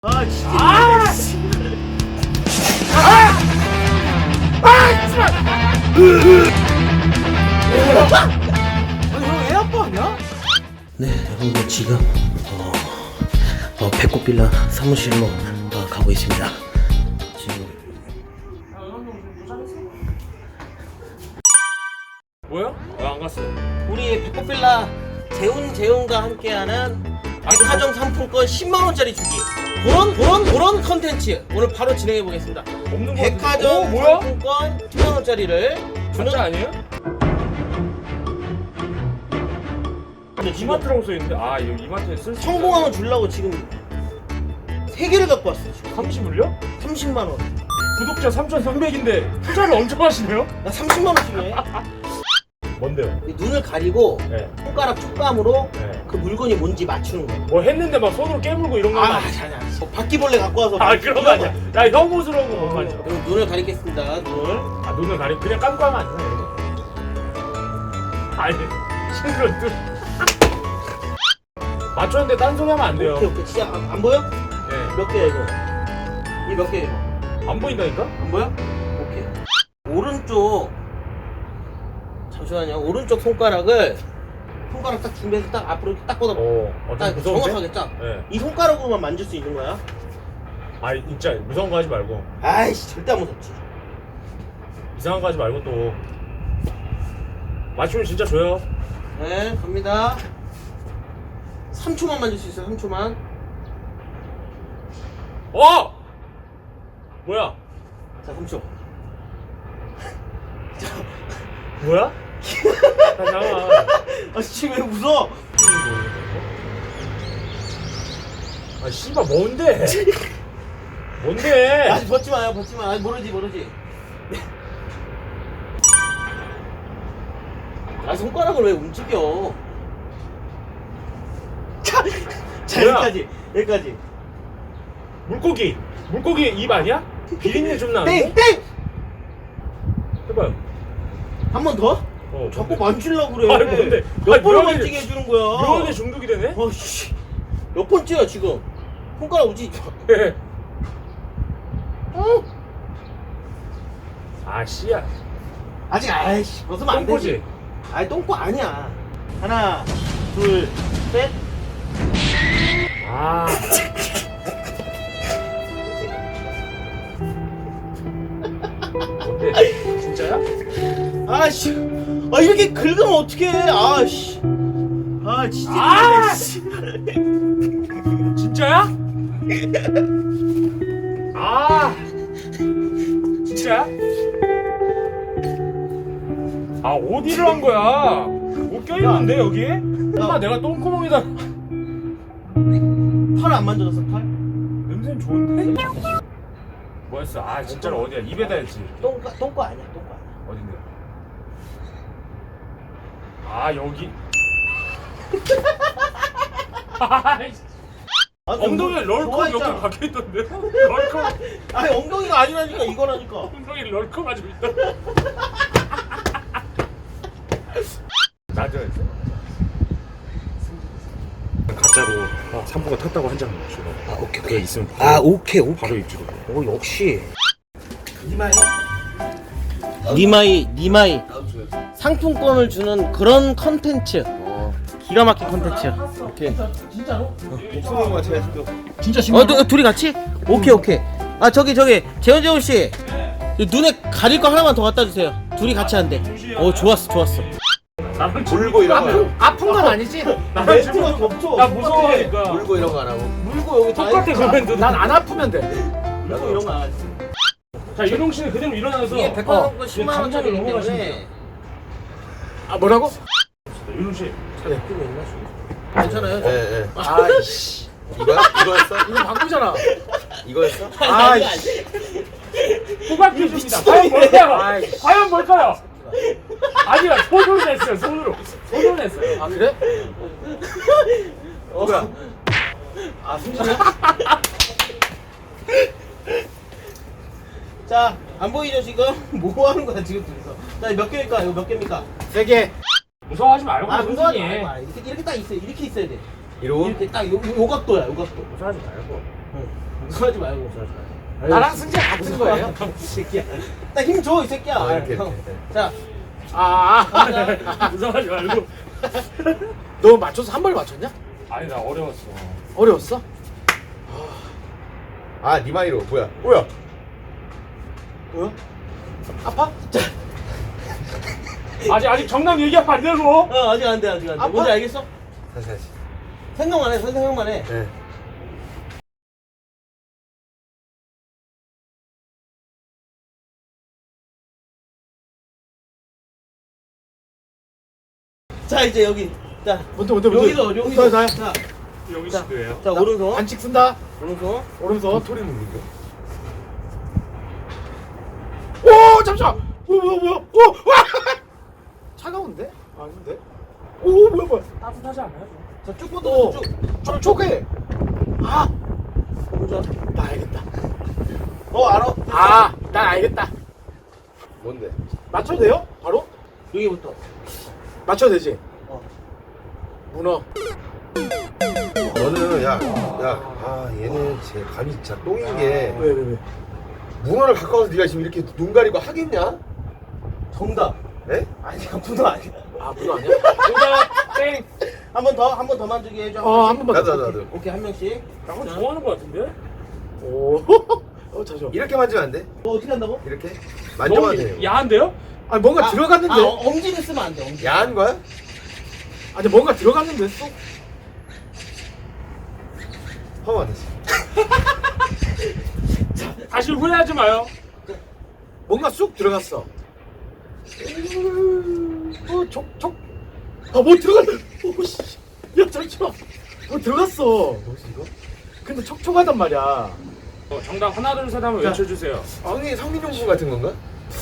아 진짜. 아니 형 애 아빠냐? 네, 여러분들 지금 배꼽 빌라 사무실로 가고 있습니다. 지금 뭐야? 왜 안 갔어? 우리 배꼽 빌라 재훈과 함께하는 백화점 상품권 10만 원짜리 주기. 그런 컨텐츠 오늘 바로 진행해 보겠습니다. 없는 거 백화점 뭐야? 상품권 10만 원짜리를 주는 진짜 아니에요? 근데 지금 이마트라고 써있는데 아 이거 이마트에 쓸 수 성공하면 주려고 지금 3개를 갖고 왔어요. 지금 30을요? 30만 원. 구독자 3,300인데 투자를 엄청 하시네요? 나 30만 원씩 해. 뭔데요? 눈을 가리고 네. 손가락 촉감으로 네. 그 물건이 뭔지 맞추는 거야. 뭐 했는데 막 손으로 깨물고 이런 거 아니. 아니야? 뭐 바퀴벌레 갖고 와서 아 그런 거 아니야. 야 혐오스러운 거 못 맞죠? 그럼 눈을 가리겠습니다. 눈을. 아 눈을 가리고 그냥 감고 하면 안 되나 이거? 아니 신기로 눈 맞췄는데 딴소리 하면 안 돼요. 오케이. 진짜 안 보여? 네. 몇 개야 이거? 이 몇 개야 이거? 안 보인다니까? 안 보여? 오케이. 오른쪽 잠시만요. 오른쪽 손가락 딱 준비해서 딱 앞으로 이렇게 딱 뻗어. 딱 무서운데? 정확하게 딱. 네. 이 손가락으로만 만질 수 있는 거야. 아 진짜 무서운 거 하지 말고 아이씨 절대 안 무섭지. 이상한 거 하지 말고 또 맞추면 진짜 줘요. 네 갑니다. 3초만 만질 수 있어요. 3초만. 어! 뭐야? 자 3초. 뭐야? 아, 잠깐만. 아 지금 왜 웃어? 아, 씨발, 뭔데? 뭔데? 아직 벗지 마요. 벗지 마. 아직 모르지. 아 손가락을 왜 움직여? 자 뭐야? 여기까지. 물고기 입 아니야? 비린내 좀 나는데? 땡! 해봐요. 한 번 더? 자꾸 만지려고 그래. 아니, 뭔데? 몇 아니, 번을 묘하게- 만지게 해주는 거야. 묘하게 중독이 되네? 어씨 몇 번째야 지금? 손가락 움직이지 마. 아, 씨야. 아직 아이씨 벗으면 안 똥꼬지? 되지. 아니 똥꼬 아니야. 하나 둘 셋. 아. 뭔데? 진짜야? 아씨 아 이렇게 긁으면 어떡해. 아씨 아 진짜. 아! 씨. 진짜야? 아. 진짜야? 아, 어디를 한 거야? 뭐 껴있는데, 여기? 엄마, 내가 똥구멍에다. 팔 안 만져졌어 팔? 냄새는 좋은데? 뭐였어? 아, 진짜로 어디야? 입에다 했지. 똥꼬 아니야 똥꼬 아니야. 어딘데? 아, 여기. 아이씨. 아, 엉덩이에 럴컵 좋아했잖아. 몇개 박혀있던데? 럴컵. 아니 엉덩이가 아니라니까 이거라니까. 엉덩이 럴컵 가지고 있다. 나도 했어? 가짜로 상부가 탔다고 한 장 주고. 아 오케이 그거 있으면 오케이 바로 입주로. 오 역시 니마이 상품권을 주는 그런 컨텐츠. 기가 막힌 컨텐츠. 오케이. 진짜로? 목소리인 것 같아 지금. 진짜 심한. 둘이 같이? 오케이. 아 저기 재훈 씨. 이 눈에 가릴 거 하나만 더 갖다 주세요. 둘이 같이 한대. 오 좋았어. 나는 물고 이런 거. 아픈 건 아니지? 나는 멘트가 지금 겹쳐. 나 무서워하니까. 물고 이런 거 하라고. 물고 여기 다 똑같아 있잖아. 그러면 난 안 아프면 돼. 물고 이런 거 안 하지. 자 윤홍 씨는 그대로 일어나서 이게 백화점권 지금 10만 원짜리기 감정을 넘어가시면 때문에. 돼요. 아 뭐라고? 윤홍 씨. 네. 끼고 있나 지금? 괜찮아요? 예. 아이씨. 이거였어? 이거 바꾸잖아. 이거였어? 아이씨. 호박 퀴즈입니다. 과연 뭘까요? 아이씨. 과연 뭘까요? 아니야 손으로 냈어요. 손으로 냈어요. 아 그래? 뭐야? 아 숨쉬냐? 자, 안 보이죠 지금? 뭐 하는 거야 지금 둘이서? 자, 몇 개일까? 이거 몇 개입니까? 3개. 무서워하지 말고 아, 무서워하지 천천히 말고. 이렇게 딱 있어요. 이렇게 있어야 돼. 이러고? 이렇게 딱 요 각도야, 요 각도. 무서워하지 말고 응. 그러지 말고. 나랑 승재 같은 거예요? 이 새끼야. 나 힘 줘 이 새끼야. 이렇게. 형. 자. 무상하지 말고. 너 맞춰서 한 번 맞췄냐? 아니 나 어려웠어. 어려웠어? 아 니마이로 뭐야? 뭐야? 뭐야? 아파? 아직 정답 얘기하면 안 되고. 아직 안 돼. 아빠? 뭔지 알겠어? 다시. 생각만 해. 생각만 해. 네. 자 이제 여기. 자. 뭔데? 여기서. 나야. 자. 여기 자. 씨도예요. 자 오른손. 반칙 쓴다. 오른손. 오른손. 소리 누구죠? 오 잠시만. 뭐야? 와! 차가운데? 아닌데? 오 뭐야? 따뜻하지 않아요? 자 쭉 뻗어. 쭉. 촉촉해. 아, 보자. 나 알겠다. 알아? 아, 난 알겠다. 뭔데? 맞춰도 돼요? 바로? 여기부터. 맞춰도 되지? 어. 문어. 너는 얘는 제 감이 진짜 똥인 게 왜? 문어를 갖고 와서 네가 지금 이렇게 눈 가리고 하겠냐? 정답. 에? 아니야 문어 아니야. 아, 문어 아니야? 정답 땡. 한 번 더 만지게 해줘. 한 번만. 나도. 오케이 한 명씩. 나건 자. 좋아하는 거 같은데? 오. 잠시만. 이렇게 만지면 안 돼? 어떻게 한다고? 이렇게? 만져봐도 너무 돼요. 야한데요? 아니 뭔가 들어갔는데. 엄지를 쓰면 안 돼. 엄지. 야한 거야? 아니 뭔가 들어갔는데 쏙. 허만 됐어. 다시 후회하지 마요. 뭔가 쑥 들어갔어. 촉. 아, 뭐 들어갔네. 오 씨. 야, 잠시만. 뭐 들어갔어. 뭐지 이거? 근데 촉촉하단 말이야. 정답 하나 둘 셋 한번 자. 외쳐주세요. 성민용품 같은 건가?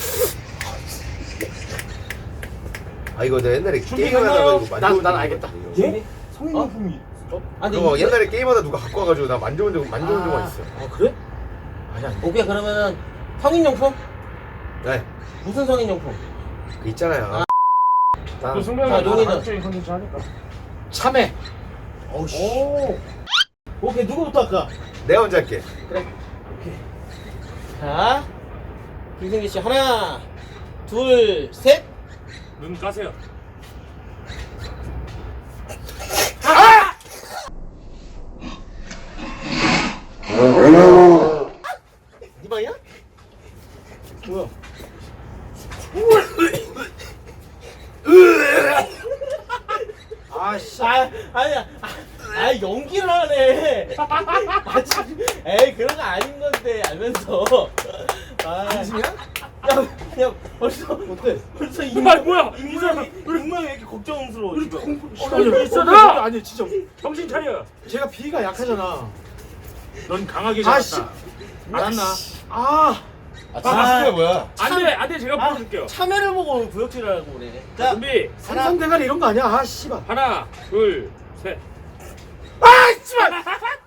아 이거 내가 옛날에 게임하다가 이거 만져본 난 적이 알겠다. 있거든, 이거. 예? 성인용품이. 아니 그거 옛날에 게임하다 누가 갖고 와가지고 나 만져본 적만 있어. 아, 그래? 아니야. 오케이 그러면은 성인용품? 네. 무슨 성인용품? 그 있잖아요. 또 난 승배가 자, 용이는. 한적인 컨텐츠 하니까. 참외. 어우씨. 오. 오케이 누구부터 할까? 내가 먼저 할게. 자 김승기 씨 하나 둘 셋. 눈 까세요. 네 방이야? 뭐야? 아씨. 아니야. 연기를 하네. 에이 그런 거 아닌 건데 알면서. 진심이야? 야 벌써 어때? 벌써 아 뭐야? 이 사람 분명히 왜 이렇게 걱정스러워 지금. 아니, 있어라! 아니 진짜 정신 차려. 제가 비위가 약하잖아. 넌 강하게 아, 잡았다. 알았나? 아, 마스크가 뭐야? 안돼 제가 보여줄게요. 참외를 보고 구역질하라고 그래. 자 준비. 삼성대가리 이런 거 아니야? 아, 씨발. 하나 둘 셋. 아, 씨발.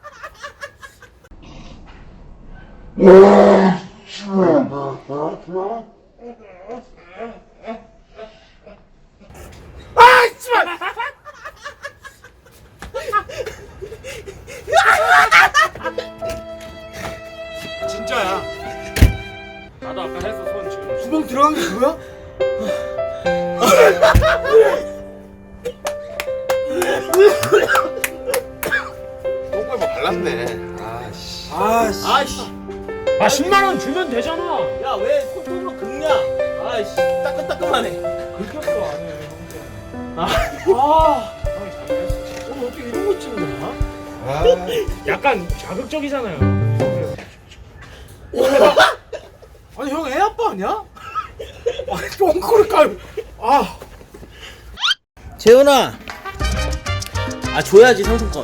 아, 씨발. 진짜야. 나도 아까 했어 손 지금. 구멍 들어간 게 그거야? 똥꼬에 뭐 발랐네. 아씨. 아씨. 아이씨. 아 10만 원 주면 되잖아. 야 왜 손톱으로 긁냐? 아이씨 따끈따끈하네. 긁혔어 안해. 아. 오늘 어떻게 이런 거 찍는 거야? 아. 약간 자극적이잖아요. 아니 형 애 아빠 아니야? 아니 똥꼬를 까요. 아. 재훈아. 줘야지 상품권.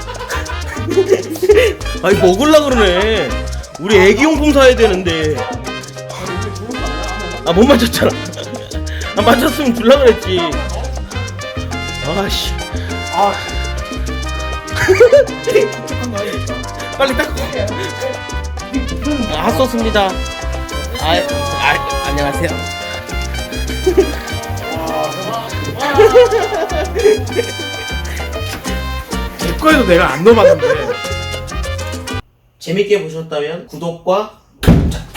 아니 먹을라 그러네. 우리 애기용품 사야 되는데. 못 맞췄잖아. 맞췄으면 줄라 그랬지. 아씨. 빨리 닦고. 핫소스입니다. 안녕하세요. 제 거에도 내가 안 넣어봤는데. 재밌게 보셨다면 구독과